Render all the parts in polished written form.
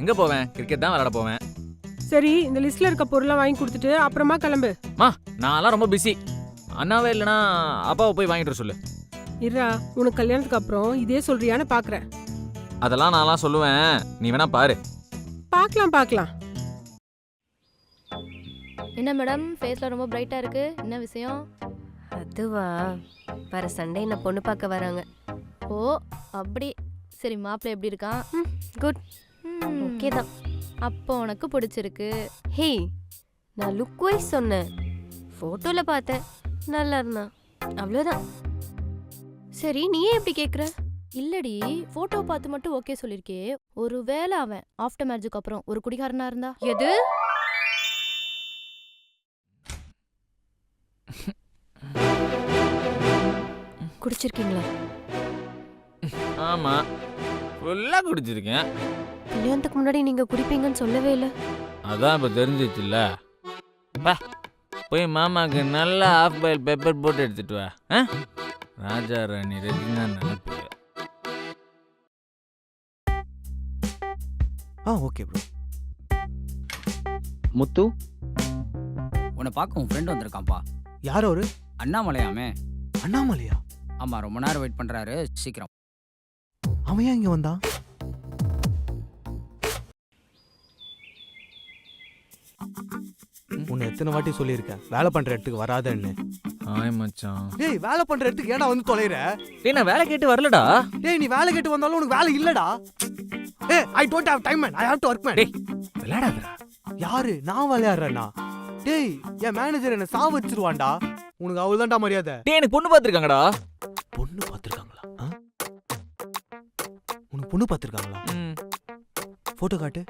எங்க போவேன்? கிரிக்கெட் தான் விளையாட போவேன். சரி, இந்த லிஸ்ட்ல இருக்க பொருளை வாங்கி கொடுத்துட்டு அப்புறமா கிளம்பு. நான்லாம் ரொம்ப பிஸி. அண்ணாவே இல்லைனா அப்பாவை போய் வாங்கிட்டு சொல்லு. இருடா, உனக்கு கல்யாணத்துக்கு அப்புறம் இதே சொல்றியான்னு பாக்குறேன். அதெல்லாம் நான்லாம் சொல்லுவேன், நீ வேணா பாரு. பார்க்கலாம். என்ன மேடம், ஃபேஸ்ல ரொம்ப பிரைட்டா இருக்கு, என்ன விஷயம்? அதுவா, வர சண்டே என்ன பொண்ணு பார்க்க வராங்க. ஓ அப்படி. சரி, மாப்பிள்ளை எப்படி இருக்கான்? குட், ஓகே தான். அப்போ உனக்கு பிடிச்சிருக்கு. ஹே, நான் லுக் வைஸ் சொன்னேன். ஃபோட்டோவில் பார்த்தேன், நல்லா இருந்தான், அவ்வளோதான். சரி, நீ ஏன் எப்படி கேட்குற? இல்லடி, போட்டோ பார்த்து மட்டும் ஓகே சொல்லிருக்கே. ஒருவேளை அவன் ஆஃப்டர் மேரேஜுக்கு அப்புறம் ஒரு குடிகாரனா இருந்தா? எது? குடிச்சிருக்கீங்களா? ஆமா, ஃபுல்லா குடிச்சிருக்கேன். கல்யாணத்துக்கு முன்னாடி நீங்க குடிப்பீங்கன்னு சொல்லவே இல்லை. அதான் இப்ப தெரிஞ்சிச்சுல்ல. போய் மாமாக்கு நல்லா ஆஃப் பாயில் பெப்பர் போட்டு எடுத்துட்டு வா. ராஜா ராணி ரெஜினா நினைப்பு. Okay bro. முத்து, உன்னை பார்க்க உன் ஃப்ரெண்ட் வந்திருக்கான்ப்பா. யார் அவரு? அண்ணாமலையாமே. அண்ணாமலையா? ஆமா, ரொம்ப நேரம் வெயிட் பண்றாரு, சீக்கிரம். அவன் ஏன் இங்க வந்தான்? உன்னை எத்தனை வாட்டி சொல்லியிருக்கேன் வேலை பண்ற இடத்துக்கு வராதன்னு. ஆய் மச்சான். டேய், வேலை பண்ற இடத்துக்கு ஏன்டா வந்து தொலைற? டேய், நான் வேலை கேட்டு வரலடா. டேய், நீ வேலை கேட்டு வந்தாலும் உனக்கு வேலை இல்லடா. ஏய், I don't have time man, I have to work man. டேய், விளையாடாதடா. யாரு? நான் விளையாடுறேன்னா? டேய், என் மேனேஜர் என்ன சாவ வச்சிருவான்டா. உனக்கு அவ்வளவுதான்டா மரியாதை. டேய், எனக்கு பொண்ணு பார்த்திருக்காங்கடா. பொண்ணு பார்த்திருக்காங்களா? உனக்கு பொண்ணு பார்த்திருக்காங்களா? போட்டோ காட்டு.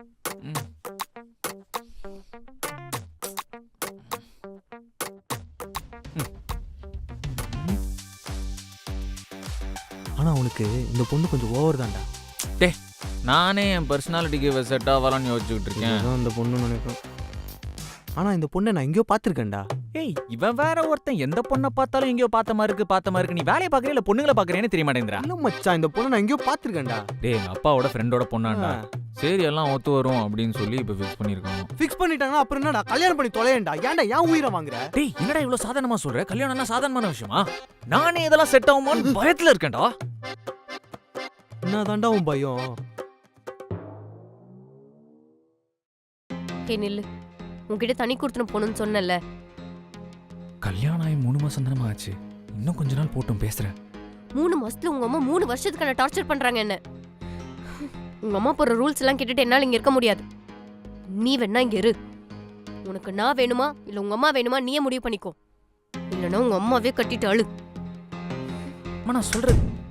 ஆனா உனக்கு இந்த பொண்ணு கொஞ்சம் ஓவர் தான்டா. டேய், நானே என் பர்சனாலிட்டிக்கு செட் ஆகலாம்னு யோசிச்சுக்கிட்டு இருக்கேன். இந்த பொண்ணு நினைப்பேன். ஆனா இந்த பொண்ணை நான் எங்கேயோ பார்த்திருக்கேன்டா. ஏய், இவன் வேற ஒருத்தன் எந்த பொண்ணை பார்த்தாலும் எங்கேயோ பார்த்த மாதிரி இருக்கு. நீ வேலையை பார்க்கறியா இல்ல பொண்ணுங்களை பார்க்கறியான்னு தெரிய மாட்டேங்கிறா. இல்ல மச்சான், இந்த பொண்ணை நான் எங்கேயோ பார்த்திருக்கேன்டா. டேய், எங்க அப்பாவோட ஃப்ரெண்டோட பொண்ணாண்டா. சரி, எல்லாம் ஒத்து வரும் அப்படின்னு சொல்லி இப்ப ஃபிக்ஸ் பண்ணிருக்காங்க. ஃபிக்ஸ் பண்ணிட்டாங்கன்னா அப்புறம் என்னடா, கல்யாணம் பண்ணி தொலையேன்டா. ஏன்டா ஏன் உயிரை வாங்குற? டேய், என்னடா இவ்வளவு சாதாரணமா சொல்ற? கல்யாணம்னா சாதாரணமான விஷயமா? நானே இதெல்லாம் செட் ஆகுமான்னு பயத்துல இருக்கேன்டா. என்னதான்டா உன் பயம்? ஹே நில்லு, உன்கிட்ட தனி கொடுத்துன்னு போகணும்னு சொன்னல. கல்யாணம் ஆகி 3 மாசம் தானமா ஆச்சு. இன்னும் கொஞ்ச நாள் போட்டும் பேசுறேன். 3 மாசத்துல உங்க அம்மா 3 வருஷத்துக்கான டார்ச்சர் பண்றாங்க என்ன. உங்க அம்மா போற ரூல்ஸ் எல்லாம் கேட்டுட்டு என்னால இங்க இருக்க முடியாது. நீ வேணா இங்க இரு. உனக்கு நான் வேணுமா இல்ல உங்க அம்மா வேணுமா நீயே முடிவு பண்ணிக்கோ. இல்லைன்னா உங்க அம்மாவே கட்டிட்டு அழு. நான் சொல்றது